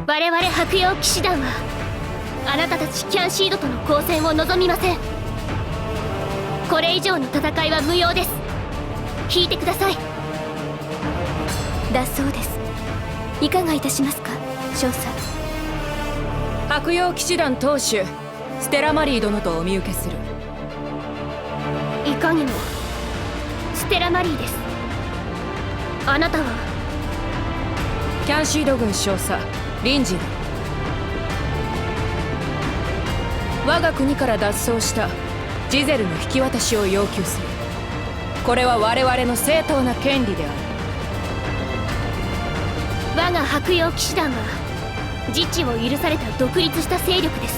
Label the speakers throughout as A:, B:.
A: 我々白曜騎士団はあなたたちキャンシードとの交戦を望みません。これ以上の戦いは無用です。聞いてください。
B: だそうです。いかがいたしますか、少佐。
C: 白曜騎士団当主ステラマリー殿とお見受けする。
A: いかにもステラマリーです。あなたは
C: キャンシード軍少佐リンジーだ。我が国から脱走したジゼルの引き渡しを要求する。これは我々の正当な権利である。
A: 我が白曜騎士団は自治を許された独立した勢力です。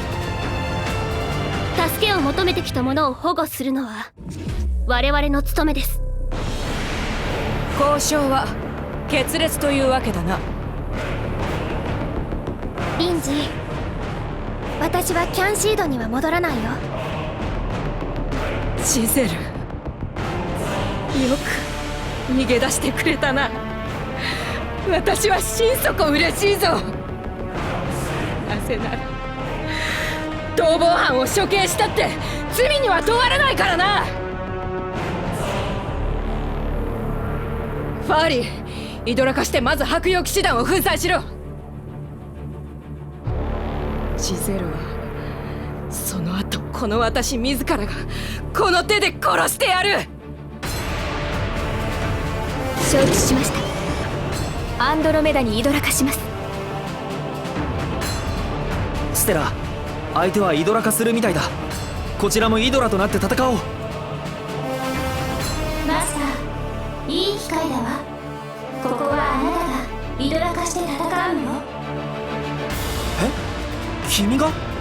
A: 助けを求めてきた者を保護するのは我々の務めです。
C: 交渉は決裂というわけだな。
B: リンジー、私はキャンシードには戻らないよ。
C: ジゼル、よく逃げ出してくれたな。私は心底嬉しいぞ。なぜなら逃亡犯を処刑したって罪には問われないからな。ファーリー、イドラ化してまず白曜騎士団を粉砕しろ。ジゼルはその後この私自らがこの手で殺してやる。
B: 承知しました。アンドロメダにイドラ化します。
D: ステラ、相手はイドラ化するみたいだ。こちらもイドラとなって戦おう。
B: マスター、いい機会だわ。ここはあなたがイドラ化して戦うのよ。
D: え、君が？